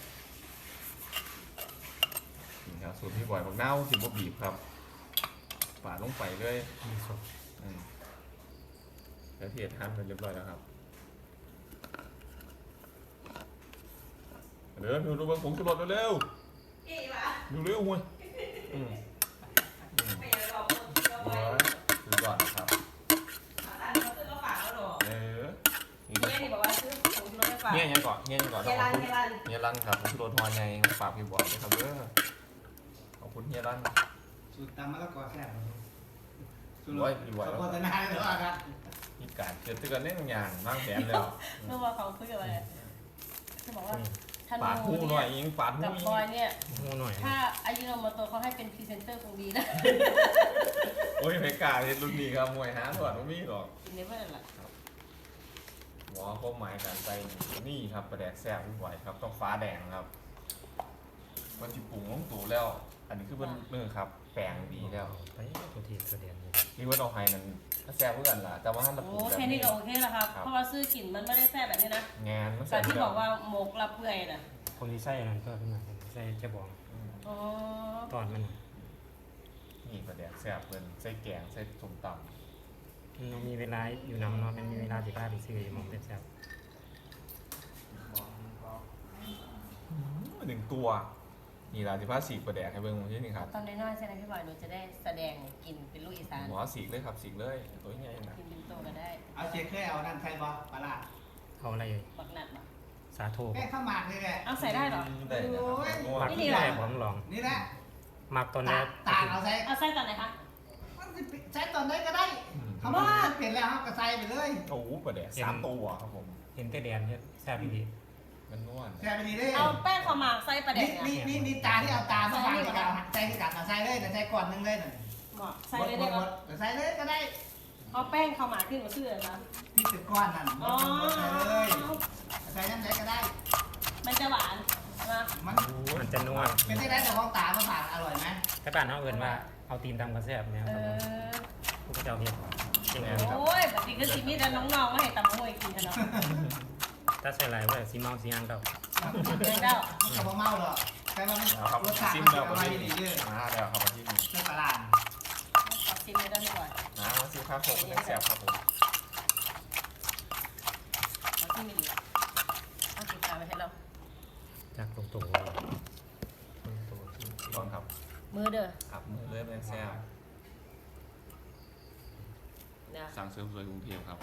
Speaker 1: นี่ครับสูตรพี่บอยบอกเน่าสิบบบีบครับปาดลงไปเลย
Speaker 5: มีสด
Speaker 1: อืมเซฟเห็ดหั่นเป็นเรียบร้อยแล้วครับเดี๋ยวดูดูเบิ้งผงชูรสเร็ว
Speaker 2: อีหวะ
Speaker 1: ๆดูเร็วเว้ยอืมอืม
Speaker 2: ไม่อยากบอกคนที่เอา
Speaker 1: หัว
Speaker 2: ไว้
Speaker 1: ดูก่อนนะครับ
Speaker 2: ร้านเขาซื้อมาฝากแล้วหรอ
Speaker 1: เออนี่
Speaker 2: เนี่ยนี่บอกว่าซื้อของรถให้ฝาก
Speaker 1: เนี่ยยังก่อนเนี่ยยังก่อน
Speaker 2: เฮียรันเฮียรัน
Speaker 1: เฮียรันครับผมชูรสฮอนไงฝากพี่บอยด้วยครับเด้อขอบคุณเฮียรัน
Speaker 3: สูตรตำมะละกอแซ่บบ่นุ่มสูตร
Speaker 1: ไว้อยู่ไว้
Speaker 3: ขอโฆษณาเลยว่าครับ
Speaker 1: มีการเกิดเตือนเล่นบางอย่างบ้างแผนเลย
Speaker 2: เมื่อวานเขาคุยกับอะไรเขาบอกว่าธ
Speaker 1: ปาดหู
Speaker 2: นู
Speaker 1: หน่อย
Speaker 2: เนี่ย
Speaker 1: ยิงปาดหู
Speaker 2: กับ
Speaker 1: ยิ
Speaker 2: พลอยเนี่ย
Speaker 5: งูหน่อย
Speaker 2: ถ้าอายุโนโมโตเขาให้เป็นพรีเซนเตอร์คงดีนะ
Speaker 1: โอ้ยไม่กล้าเห็นรุ่นนี้ครับมวยหาถอดไม่มีหรอก
Speaker 2: กินได้เพื่อนหละ
Speaker 1: หมอเขาหมายการใจนี่ครับประแดกแซ่บพี่บอยครับต้องฟ้าแดงครับมันจิปรุงลงตัวแล้ว อันนี้คือเป็นเนื้อครับ แปลงดีแล้ว
Speaker 5: ไปตัวทีตัวเดียนนี่
Speaker 1: นี่ว่าเราไฮนั้นถ้าแซ่บเพื่อนล่ะแต่ว่าถ้าเราป
Speaker 2: โอ้
Speaker 1: รุงแบบ
Speaker 2: แค่นี้
Speaker 1: นี้
Speaker 2: ก็โอเคแล้วครับ เพราะว่าซื้อกลิ่นมันไม่ได้แซ่บแบบนี้นะ
Speaker 1: งานมัน
Speaker 2: แต่
Speaker 1: แซ่บ
Speaker 2: ที่
Speaker 1: ยู่
Speaker 2: บอกว่าหมกรับเปื่อยน่ะ
Speaker 5: คนที่ใส่อันนั้นก็ขึ้นมาใส่จะบอก
Speaker 1: อืม
Speaker 2: อ๋อ
Speaker 5: ตอนมันน่ะ
Speaker 1: นี่ประแดกแซ่บเพื่อนใส่แกงใส่ส้มตำ
Speaker 5: มันมีเวลาอยู่นำเนาะมันมีเวลาสิพาไปซื้อหมองเป็นแซ่บ
Speaker 1: หนึ่งตัวนี่ล่ะสิพาสีกประแดกให้เบิ่งที่นี่ครับ
Speaker 2: ตอนน้อยๆใช่ไหมพี่บอยหนูจะได้แสดงกลิ่นเป็นลูกอีสาน
Speaker 1: หมอสีกเลยครับสีกเลยตัวใหญ่นะ
Speaker 2: กินเป็นโตก็ได้
Speaker 3: เอาเจ๊เคยเอานั่นใส่บ่ปลาร้า
Speaker 5: เอาอะไรอยู่
Speaker 2: ปักหนัดมา
Speaker 5: สาโท
Speaker 3: แค่ข้าวหมากนี่แหละ
Speaker 2: เอาใส่ได้เหรอ
Speaker 1: ได้นะครับง่ว
Speaker 5: มัก
Speaker 1: ง
Speaker 5: ที่แรกผมลอง
Speaker 3: นี่แหละ
Speaker 5: มักตอนแร
Speaker 3: ตาก ตากเอาใส่
Speaker 2: เอาใส่ตอนไหนคะ
Speaker 3: มันสิใช้ตอนไหนก็ได้
Speaker 1: อืม
Speaker 3: เขาบอกว่าเปลี่ยนแล้วครับก็ใส่ไปเลย
Speaker 1: โอ้โหประแดกสามตัวครับผม
Speaker 5: เห็นแต่แดนเนี่ยแซ่บดี
Speaker 1: มันนวล
Speaker 3: ใส่ไปดีเลย
Speaker 2: เอาแป้งข้าวหมากใส่ประเด็
Speaker 3: นี่
Speaker 2: นเนี่ย
Speaker 3: นี่นี่นี่ตาที่เอาตามาฟังในการใส่ที่กันใส่เลยแต่ใส่ก่อนนึงเลยน่ะ
Speaker 2: เหมาะใส่เลยได้
Speaker 3: หม
Speaker 2: ปะ
Speaker 3: ดๆใส่เลยก็ได้
Speaker 2: เอาแป้งข้าวหมากขึ้นมาเชื่อนะ
Speaker 3: ที่ติดก้อนนั่นหม
Speaker 2: อ๋อ
Speaker 3: ดๆใส่เลยใส่น้ำไหนก็ได้
Speaker 2: มันจะหวานนะ
Speaker 3: มัน
Speaker 5: ๆมันจะนวล
Speaker 3: เป็นที่ได้แต่ของตามาฝากอร่อยไหม
Speaker 5: ถ้าบ้านเขาเอื่นว่าเอาตีนทำกระแซ่บเนี่ย
Speaker 2: เอ
Speaker 5: ครับผม
Speaker 2: อ
Speaker 5: พวกเจ้าเฮ็ดจริง
Speaker 2: โอ้ยแบบนี้ก็สิมีแต่น้องๆมาให้ตำมวยกินกันเนาะ
Speaker 5: ถ้าใส่หลายว่าสีเมาสีหางเก่า
Speaker 2: เดี๋ยวเจ้า
Speaker 3: มันกับเมาหรอกแต่ว่ามัน
Speaker 1: เอาครับ
Speaker 3: รสชาติ
Speaker 1: ซิม
Speaker 3: มัน
Speaker 1: แล้ว
Speaker 3: อ
Speaker 1: ก็
Speaker 3: ร่อย
Speaker 1: ซิม
Speaker 3: ดีเยอะ
Speaker 1: มาแล้วครับมาที่นี่
Speaker 3: เนื้อปลาร้า
Speaker 2: ขอบชิมเลยได้ไหมก่อน
Speaker 1: นะมาซิมข้าวโพดเป็นแซ่บครับผม
Speaker 2: ขอชิมไม่ดีเอาติดตามไว้ให้เรา
Speaker 5: จากตรงตัวตรงตัว
Speaker 1: ก่อนครับ
Speaker 2: มือเด้อ
Speaker 1: ครับมือเริ่มเป็นแซ่บ
Speaker 2: นะ
Speaker 1: สั่งเสริมสวยกรุงเทพครับ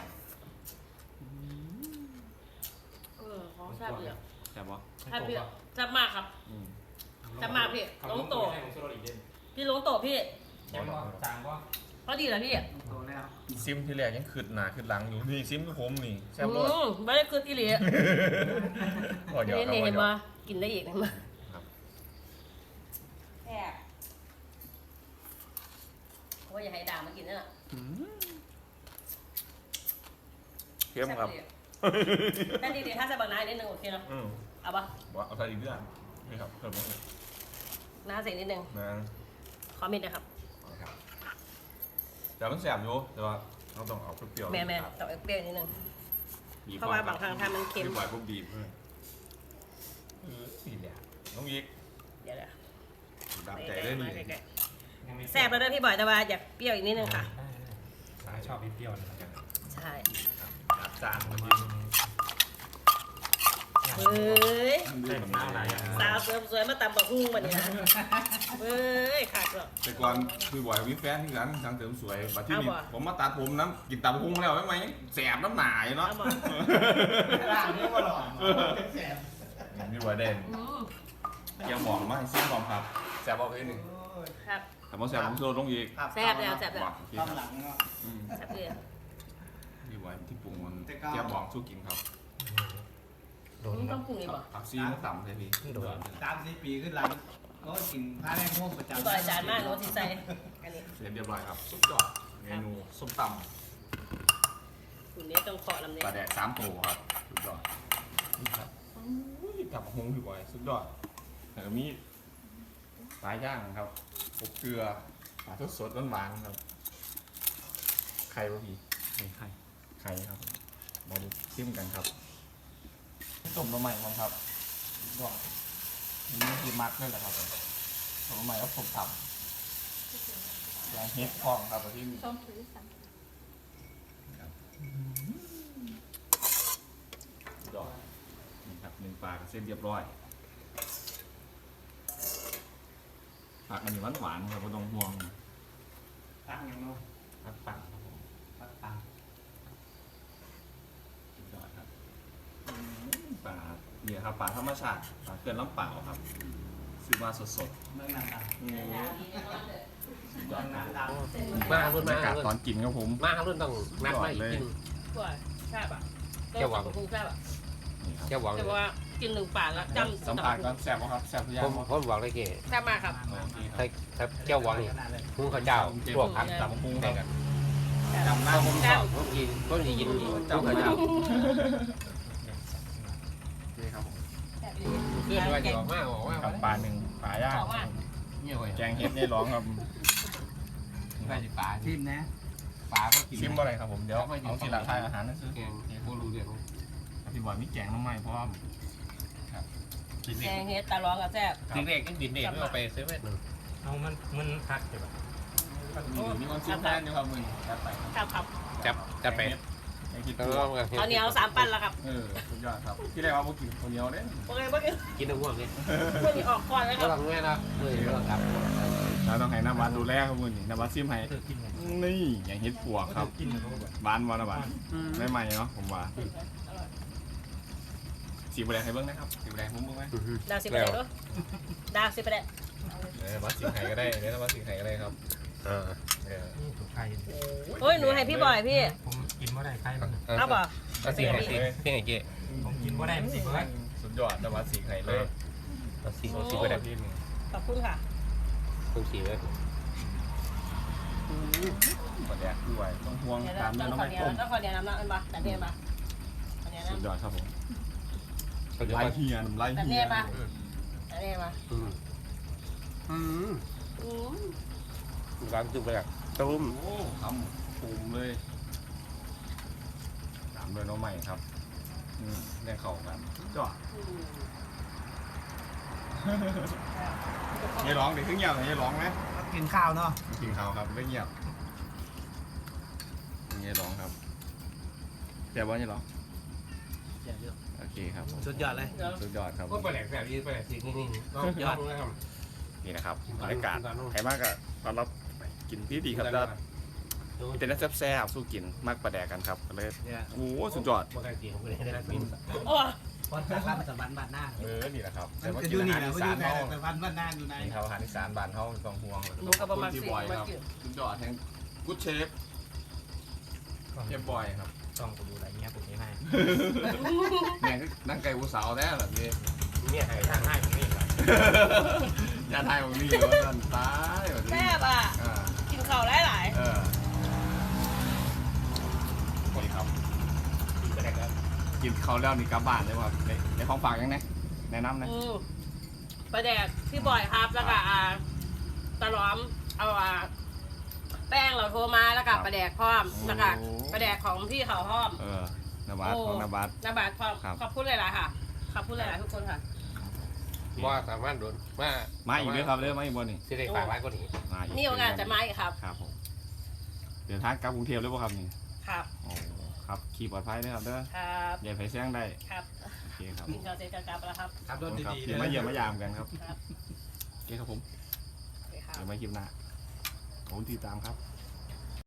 Speaker 2: เออของแซ่บเยอะ
Speaker 1: แซ่บปะ
Speaker 2: แซ่บเยอะแซ่บมากครับ
Speaker 1: อืม
Speaker 2: จะมาพี่ลงโตะพี่ลงโตะพี่
Speaker 5: เจ็บบ่จางบ่
Speaker 2: พอดีแล้วพี่
Speaker 3: โตแล้ว
Speaker 1: ซิมที่แรกยังขึ้นหนาขึ้นหลังอยู่นี่ซิมผมนี่แซ่บ
Speaker 2: อื
Speaker 1: รส
Speaker 2: มไม่ได้คืนอีหลี
Speaker 1: พอหยอก
Speaker 2: นี่
Speaker 1: ครับ
Speaker 2: นี่
Speaker 1: พอ
Speaker 2: เห็น
Speaker 1: หยอ
Speaker 2: มาก กินได้อีกเห็นมา
Speaker 1: ครับ
Speaker 2: แซ่บเพราะว่าอย่าให้ด่างมากินนั่นแหละ
Speaker 1: เข้มครับ
Speaker 2: นั่นดีๆถ้าใส่บางน้านิดนึงโอเคเนาะ
Speaker 1: อืม
Speaker 2: เอาปะ
Speaker 1: ว่าเอาใส่อีกเรื่องนี่ครับเพิ่มมาเลย
Speaker 2: น้าใส่นิดนึง
Speaker 1: นะ
Speaker 2: ขอมิดนะครับ
Speaker 1: เอาครับแต่มันแสบอยู่แต่ว่าเราต้องเอาเปรี้ยวๆ
Speaker 2: แม่แม่
Speaker 1: ครับ
Speaker 2: ต้องเอาเปรี้ยวนิดนึง
Speaker 1: บีบ
Speaker 2: เพราะว่าบางครั้งถ้ามันเค็ม
Speaker 1: บีบบ่อยปุ๊บบีบเลยเออนี่แหละน้องยิก
Speaker 2: เดี๋ยวเดี๋ยว
Speaker 1: ตามใจได้นี่
Speaker 2: ใกล้ๆแซ่บแล้วเด้อพี่บอยแต่ว่าอยากเปรี้ยวอีกนิดนึงค่ะ
Speaker 5: สายชอบเปรี้ยวๆนะครับ
Speaker 2: ใช่
Speaker 1: จัดจานมา
Speaker 5: มา
Speaker 1: กิน
Speaker 2: เฮ้ย
Speaker 5: ใส่กับน้ำอะไรอย่าง
Speaker 2: สาวเสริมสวยมาตำบักหุ่งวันนี้นะเฮ้ยขาดเหรอ
Speaker 1: แต่ก่อนคือบ่อยมีแฟนที่ร้านทางเสริมสวยบัดที่นี่
Speaker 2: เอาบ่
Speaker 1: ผมมาตัดผมน้ำกินตับหุ้งแล้วไม่ไหมแสบน้ำหนาอยู่เนาะ
Speaker 2: เอาบ่
Speaker 3: ร่างนี้ก็หล่อแสบ
Speaker 1: นี่บ่อยเด่น
Speaker 2: อืม
Speaker 1: เกี่ยวหมองมาให้ซิมก่อนครับแสบบอกเลยหนึ่ง
Speaker 2: ครับ
Speaker 1: แต่พอแสบผมโซลงอีก
Speaker 2: แซ่บแล้วแซ่บแล้ว
Speaker 1: บอกโอเค
Speaker 3: ตอน
Speaker 1: ค
Speaker 3: ห
Speaker 1: รับ
Speaker 3: ลังเนาะ
Speaker 1: อืม
Speaker 2: แซ่บเลย
Speaker 1: นี่บ่อยที่ปรุงมัน
Speaker 3: แต่ก็
Speaker 1: เกี่ยวหมองสู้กินครับ
Speaker 5: โดน
Speaker 2: มึง
Speaker 5: ค
Speaker 2: ต้
Speaker 5: รั
Speaker 2: อบ งปรุงอีกบ่
Speaker 1: ผักซีมันต่ำเลยพี่
Speaker 5: โดน
Speaker 3: สามสี่ปีขึ้นหลังก็กินผ้าแรงม่วงประจำ
Speaker 2: พี่บอยจานมากโน้ตที่ใส่อันนี้
Speaker 1: เสร็จเรียบร้อยครับสุดยอดเมนูส้มต
Speaker 2: คุณนี้ต้องเคาะลำ
Speaker 1: ำ
Speaker 2: นี้
Speaker 1: ปลาแดกสามตัวครับสุดยอดนี่ครับอุ้ยกับหงพี่บอยสุดยอดแล้วก็มีปลาย่างครับอบเกลือปลาทอดสดหวานๆครับไข่ป่ะพี่
Speaker 5: ไม่ใช่
Speaker 1: ไข่ครับมาดูชิมกันครับต้มละใหม่มั้งครับก็นี่คือมักนั่นแหละครับต้มละใหม่แล้วผมต่ำอย่างเฮ็ดพองครับที่นี่
Speaker 2: ส้มถือสั่ง
Speaker 1: ดอกนี่ครับหนึ่งปลากับเส้นเรียบร้อยผักอันนี้หวานๆครับไม่ต้องห่วง
Speaker 3: ตั้งอย่างเนาะ
Speaker 1: ผักปั่นครับผม
Speaker 3: ปักตัง
Speaker 1: สุดยอดครับอืมปลาเนี่ยครับปลาธรรมชาติปลาเกลือน้ำเปล่าครับซื้อมาสด
Speaker 3: เมืองนันตัง
Speaker 1: ๆนี่สุดย
Speaker 3: เมื
Speaker 1: อ
Speaker 3: อ
Speaker 1: ด
Speaker 3: ง
Speaker 1: ค
Speaker 3: นั
Speaker 1: รับ
Speaker 3: นตัง
Speaker 4: มารุ่น
Speaker 1: บรร
Speaker 4: มาย
Speaker 1: ากาศ
Speaker 4: รุ่น
Speaker 1: ตอนกินครับผม
Speaker 4: มารุ่นต้องนักไม่กิน
Speaker 2: กว่าแซ่บอ่ะ
Speaker 4: แก้วหวัง
Speaker 2: ต้มบักหุ่งแซ่บอ่ะ
Speaker 1: นี่ครับ
Speaker 4: แค่หวัง
Speaker 2: แต่ว่ากินหนึ่งปากแล้วจำ
Speaker 1: สัมผัสก็แซ่บบ่ครับแซ่บทุกอย่า
Speaker 4: ผ
Speaker 1: ง
Speaker 4: ม
Speaker 1: บ่
Speaker 4: ผมบอกเลยเก๋
Speaker 2: แซ่บมากครับ
Speaker 1: โอเคค
Speaker 4: ถ้า
Speaker 1: รับ
Speaker 4: ถ้าแก้วหวังนี่หุ้งข้าวเจ้าลวกผัก
Speaker 1: ตำพุงครับ
Speaker 4: กัน
Speaker 1: จำหน้าผม
Speaker 4: ชอบผมกินผมจะกินหุ้งข้าวเจ้า
Speaker 1: นี่ครับผม
Speaker 2: แซ่บดี
Speaker 4: เพื่อนว่าจะออกมาบอกว่า
Speaker 1: กับปลาหนึ่งปลาย่าง
Speaker 2: บอกว่า
Speaker 4: เนี่ยเว้ย
Speaker 1: แกงเห็ดนี่ร้องครับ
Speaker 4: ไม่ใช่ปลา
Speaker 3: ทีมนะ
Speaker 4: ปลาก็กิน
Speaker 1: ชิมบ่อะไรครับผมเดี๋ยวเอาทีหลังทายอาหารนั่นซื้อ
Speaker 4: แกงผู้รู้เรื่อง
Speaker 1: พี่บอยมีแกงน้ำไหม้เพราะว่าครับกิน
Speaker 2: แก
Speaker 1: เด็ก
Speaker 2: งเฮ็ดตาร้องกับแซ่บ
Speaker 4: ถึงเด็กก็ดินเด็กไม่เอาไปซื้อเม็ดหนึ่ง
Speaker 5: เอามันมันพักใช่ป่ะ
Speaker 1: มีมีคนชิมแทนอยู่ครับมึงจัดไป
Speaker 2: ครับครับ
Speaker 4: จับจับไป
Speaker 1: แกงคิด
Speaker 4: แล้ว
Speaker 1: ตัว
Speaker 4: ก็
Speaker 2: เอาเหนียวสามปั้นแล้วครับ
Speaker 1: เออสุดยอดครับที่แรกว่าพวกกินคนเดียวเด้
Speaker 2: โอเคเมื่อกี้
Speaker 4: กินน้ำพวกนี้
Speaker 2: พวกนี้ออกก่อนนะค
Speaker 4: ก็
Speaker 2: รับ
Speaker 4: ต้องแม่นะเลยก็ต้องกลับ
Speaker 1: เราต้องให้น้ำวัดดูแลครับมึงนี่น้ำวัดซิมให้
Speaker 5: เธอกินไง
Speaker 1: นี่อย่างเห็ดปวกครับ
Speaker 5: กินเขาแบบ
Speaker 1: บ้านวานบ้านไม่ใหม่เนาะผมว่าสีบแดงให้เบิ้งนะครับสีบแดงผมเบิ้งไหม
Speaker 2: ดาวสิบแปดด้วยดาวสิบแปด
Speaker 1: เออวัดสีไข่ก็ได้เนี่ยวัดสีไข่ก็ได้ครับ
Speaker 4: อ่า
Speaker 1: เออ
Speaker 5: นี่ถูกไข่
Speaker 2: โอ้ยหนูให้พี่บอยพี่
Speaker 5: ผมกินว่าได้ไข่มัน
Speaker 2: เอาป่ะ
Speaker 4: เอาสีไข่สีสีไข่เก๋
Speaker 5: ผมกินว่าได้มันสิเบิร์ด
Speaker 1: สุดยอดน้ำวัดสีไข่เลย
Speaker 4: เอาสี
Speaker 1: โอ้
Speaker 4: เอา
Speaker 1: สี
Speaker 4: สี
Speaker 1: ไป
Speaker 4: ไป
Speaker 1: แด
Speaker 4: ได้
Speaker 1: งพี่มึง
Speaker 2: ขอบคุณค่ะ
Speaker 4: ต้องสีไว้
Speaker 1: บแดงด้วยต้องห่วง
Speaker 2: เดี๋ยว
Speaker 1: ตาม
Speaker 2: ต้
Speaker 1: เนื้
Speaker 2: อ
Speaker 1: อง น้ำ
Speaker 2: ขอ
Speaker 1: มัน
Speaker 2: เดียว
Speaker 1: ต้ม
Speaker 2: ต้องขอเดียวน้ำน้ำอันบ้าแต่เนี่ยมาขอเดียว
Speaker 1: สุด
Speaker 2: น้ำ
Speaker 1: ยอดครับผม
Speaker 4: เขาจะ
Speaker 1: ไล่
Speaker 4: มา
Speaker 1: เฮียน้ำไล่
Speaker 2: แต่
Speaker 1: เฮี
Speaker 2: เนี่ย ยมาแต่เนี่ยมา
Speaker 4: อืมอืม
Speaker 2: อืม
Speaker 4: ร้านจุกไปอ่ะตุ้ม
Speaker 1: โอ้ทำปูมเลยตามด้วยน้องใหม่ครับอืมแรงเข่ากันสุดยอดอย่าร้องเดี๋ยวขึ้นเงียบอย่าร้องไหม
Speaker 3: กินข้าวเนาะ
Speaker 1: กินข้าวครับไม่เงียบอย่าร้องครับแต่ว่าอย่าร้องโอเคครับผม
Speaker 3: สุดยอดเลย
Speaker 1: สุดยอดครับ
Speaker 4: ก็ไปแหลกแบบนี้ไปแหลกสีนี่นี่ยอดเลยครับ
Speaker 1: นี่นะครับบรรยากาศใครมากก็ต้อนรับกินที่ดีครับแล้วเป็นน้ำแซ่บๆสู้กินมากปลาแดกกันครับก็เลย
Speaker 3: เนี่ย
Speaker 1: โอ้โหสุดยอด
Speaker 4: บ่กล้ากินผมก็เลยได้กิน
Speaker 2: โอ้
Speaker 3: พอจากร้านมันจะบ้านบ้านหน้า
Speaker 1: เออนี่แหละครับ
Speaker 3: มันจะอยู่นี่แหละมันอยู่แต่แต่บ้านบ้านหน้าอยู่ใน
Speaker 1: นี่ครับอาหารอีสานบ้านเฮาต้องห่วง
Speaker 2: หนูกับประมาณ
Speaker 1: ที่
Speaker 2: สี่
Speaker 1: บอย
Speaker 2: มา
Speaker 1: ครับ
Speaker 2: กิน
Speaker 1: สุดยอดแห่งกู๊ดเชฟเชฟบอยครับ
Speaker 5: ต้องกูดูอะไรเงี้ยผมไม่ให้
Speaker 1: เนี่ยนั่งไก่ผู้สาวแท้แบบนี้
Speaker 4: เนี่ยให้ทางให้ผมนี่แหละ
Speaker 1: ยาไทยของนี่เหรอท่านตายแบบนี้
Speaker 2: แซ่บอ่ะ
Speaker 1: อ่า
Speaker 2: กินข้าวหลาย
Speaker 1: เออนี่ครับ
Speaker 4: กินก็ได้ครับ
Speaker 1: กินเขาวแล้วนี่กลับบ้านเลยว่าในในของฝากยังไงแนะนำ
Speaker 2: ๆ
Speaker 1: นะ
Speaker 2: อืมปลาแดกที่บ่อยครับแล้วก็อ่าตะหลอมเอาอ่าแป้งเราโทรมาแล้วก็ปลาแดกพร้อมแล้วก็ปลาแดกของพี่เขาพร้อม
Speaker 1: เออนาบาสของนาบาส
Speaker 2: นาบาทพร้อม
Speaker 1: ครับ
Speaker 2: ขอบคุณหลายๆค่ะขอบคุณหลายๆทุกคนค่ะ
Speaker 4: ว่าสามารถโดนมา
Speaker 1: มาอีกด้วยครับเรื่องมาอีกบนนี่
Speaker 4: สิได้ฝากไว้ก็หนี
Speaker 1: มาอีก
Speaker 2: นี่โอกาสจะมาอีกครับ
Speaker 1: ครับผมเดินทางกลับกรุงเทพเลยป่ะครับนี่
Speaker 2: ครับ
Speaker 1: โอ้ครับขี่ปลอดภัยด้วยครับเด้อ
Speaker 2: ครับ
Speaker 1: อย่าไปเสี่ยงได้
Speaker 2: ครับ
Speaker 1: โอเคครับ
Speaker 2: กินข้าวเสร็จก็กลับแล้วครับ
Speaker 3: ขับรถ
Speaker 1: ครับ
Speaker 3: ดีๆ
Speaker 1: เดี๋ยวมาเยี่ยมมายามกันครับ
Speaker 2: ครับ
Speaker 1: โอเคครับผม
Speaker 2: โอเคครับ
Speaker 1: เดี๋ยวมาคลิปหน้าขอบคุณที่ตามครับ